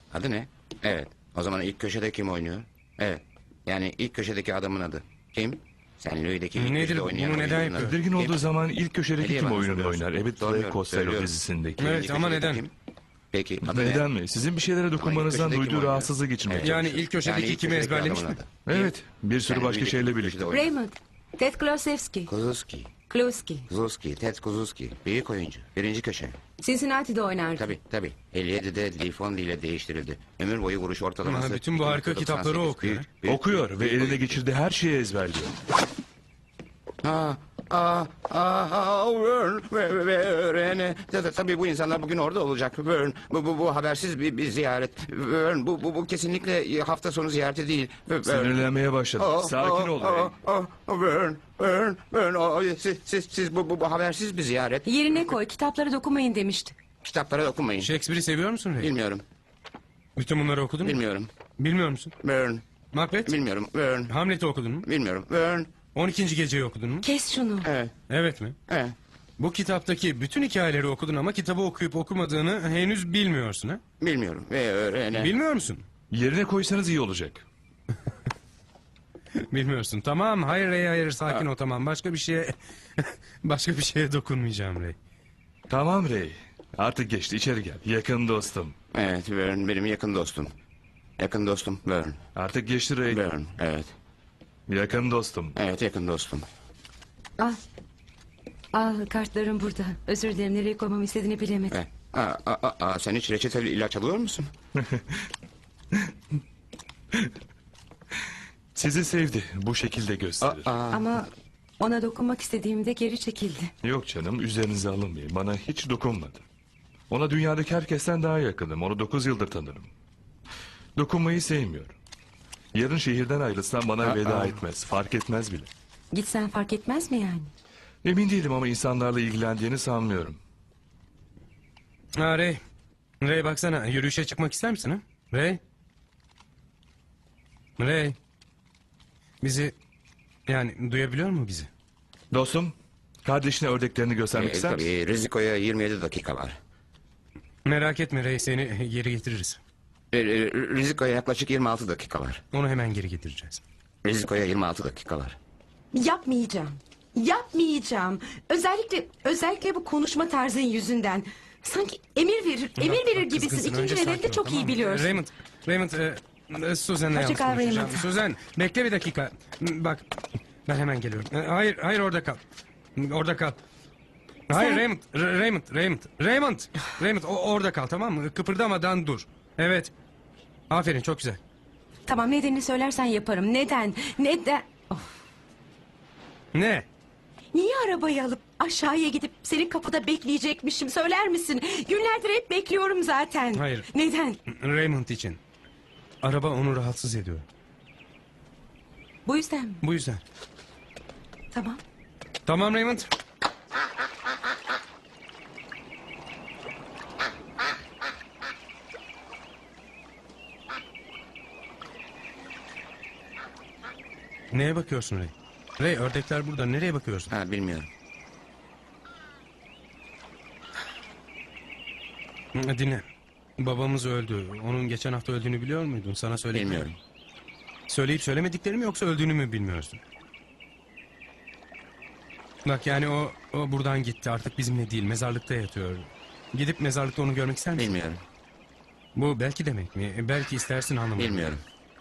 Adı ne? Evet. O zaman ilk köşede kim oynuyor? Evet. Yani ilk köşedeki adamın adı. Kim? Sen Louis'deki ilk Nedir köşede bu? oynayan Bunu neden oyuncunun adı. yapıyor? Tedirgin Kim? olduğu zaman ilk köşedeki Hediye kim bana oyununu soruyorsun. oynar? Evet, Soruyorum, Costello söylüyorum. dizisindeki. Evet, İkinci ama köşedeki neden? kim? Peki adı ne? Neden mi? Sizin bir şeylere dokunmanızdan köşedeki kim duyduğu oynuyor? rahatsızlık içinde. Evet. Yani ilk köşedeki ilk kimi köşedeki ezberlemiş adamın mi? adı. Evet, bir sürü Sen başka Louis'deki şeyle ilk birlikte. köşede oynayan. Raymond. Ted Klosevski. Kuzuski. Kluski. Kuzuski. Ted Kuzuski. Büyük oyuncu. Birinci köşe. Cincinnati'de oynardı. Tabii. 57'de Lee Fonley ile değiştirildi. Ömür boyu vuruş ortalaması. Ama bütün bu harika 2.98. kitapları okuyor. Okuyor ve eline oyuncu. geçirdiği her şeyi ezberliyor. Vern. Tabii bu insanlar bugün orada olacak. Vern. Bu habersiz bir ziyaret. Vern. Bu kesinlikle hafta sonu ziyareti değil. Vern. Sinirlenmeye başladı. Sakin ol Ray. Vern. Siz bu habersiz bir ziyaret. Yerine koy, kitaplara dokunmayın demişti. Kitaplara dokunmayın. Shakespeare'i seviyor musun Ray? Bilmiyorum. Bütün bunları okudun mu? Bilmiyorum. Bilmiyor musun? Vern. Macbeth? Bilmiyorum. Vern. Hamlet'i okudun mu? Bilmiyorum. Vern. 12. geceyi okudun mu? Kes şunu. Evet. Evet mi? Evet. Bu kitaptaki bütün hikayeleri okudun ama kitabı okuyup okumadığını henüz bilmiyorsun ha? Bilmiyorum. Ve öğrene. Bilmiyor musun? Yerine koysanız iyi olacak. Bilmiyorsun. Tamam. Hayır Ray, hayır. Sakin ol, tamam. Başka bir şeye... başka bir şeye dokunmayacağım Ray. Tamam Ray. Artık geçti, içeri gel. Yakın dostum. Evet, Vern benim yakın dostum. Yakın dostum Vern. Artık geçti Ray. Vern, evet. Yakın dostum. Evet, yakın dostum. Al. Al, kartlarım burada. Özür dilerim, nereye koymamı istediğini bilemedim. Sen hiç reçeteli ilaç alıyor musun? Sizi sevdi. Bu şekilde gösterir. Ama ona dokunmak istediğimde geri çekildi. Yok canım, üzerinize alınmayın. Bana hiç dokunmadı. Ona dünyadaki herkesten daha yakınım. Onu 9 yıldır tanırım. Dokunmayı sevmiyorum. Yarın şehirden ayrılsam bana veda etmez. Fark etmez bile. Gitsen fark etmez mi yani? Emin değilim ama insanlarla ilgilendiğini sanmıyorum. Ha Ray. Ray baksana, yürüyüşe çıkmak ister misin ha? Ray. Ray. Bizi... Yani duyabiliyor mu bizi? Dostum, kardeşine ördeklerini göstermek ister misin? Tabii, Riziko'ya 27 dakika var. Merak etme Ray, seni geri getiririz. Riziko'ya yaklaşık 26 dakika var. Onu hemen geri getireceğiz. Riziko'ya 26 dakika var. Yapmayacağım. Yapmayacağım. Özellikle bu konuşma tarzın yüzünden. Sanki emir verir gibisin. Kızgınsın, İkinci önce nedeni sakin de ol, çok tamam iyi mı? biliyorsun. Raymond, Suzan'la yalnız Hoşça kal, konuşacağım. Raymond. Suzan, bekle bir dakika. Bak, ben hemen geliyorum. Hayır, orada kal. Orada kal. Hayır Raymond, orada kal, tamam mı? Kıpırdamadan dur. Evet. Aferin, çok güzel. Tamam, nedenini söylersen yaparım. Neden? Ne? Niye arabayı alıp aşağıya gidip senin kapıda bekleyecekmişim, söyler misin? Günlerdir hep bekliyorum zaten. Hayır. Neden? Raymond için. Araba onu rahatsız ediyor. Bu yüzden mi? Bu yüzden. Tamam. Tamam Raymond. Neye bakıyorsun Ray? Ray, ördekler burada. Nereye bakıyorsun? Bilmiyorum. Dinle. Babamız öldü. Onun geçen hafta öldüğünü biliyor muydun? Sana söyledim. Bilmiyorum. Söyleyip söylemediklerini mi yoksa öldüğünü mü bilmiyorsun? Bak yani o buradan gitti. Artık bizimle değil. Mezarlıkta yatıyor. Gidip mezarlıkta onu görmek ister misin? Bilmiyorum. Bu belki demek mi? Belki istersin anlamadım. Bilmiyorum.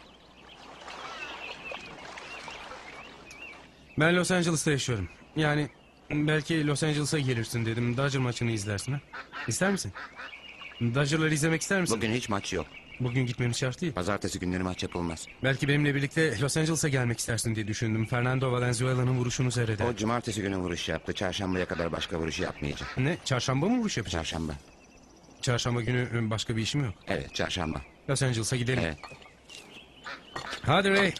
Ben Los Angeles'ta yaşıyorum. Yani belki Los Angeles'a gelirsin dedim. Dodger maçını izlersin ha. İster misin? Dodger'ları izlemek ister misin? Bugün hiç maç yok. Bugün gitmemiz şart değil. Pazartesi günleri maç yapılmaz. Belki benimle birlikte Los Angeles'a gelmek istersin diye düşündüm. Fernando Valenzuela'nın vuruşunu seyreder. O cumartesi günü vuruş yaptı. Çarşambaya kadar başka vuruş yapmayacak. Ne? Çarşamba mı vuruş yapacak? Çarşamba. Çarşamba günü başka bir işim yok. Evet, çarşamba. Los Angeles'a gidelim. Evet. Hadi Ray.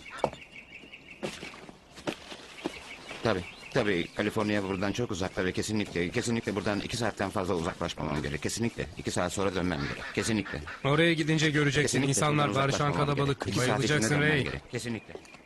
Tabii Kaliforniya buradan çok uzakta ve kesinlikle buradan 2 saatten fazla uzaklaşmamam gerek. Kesinlikle. 2 saat sonra dönmem gerek. Kesinlikle. Oraya gidince göreceksin. Kesinlikle İnsanlar buradan bağırışan uzaklaşmamam kalabalık. gerek. 2 saat içinde Bayılacaksın dönmem Ray. gerek. Kesinlikle.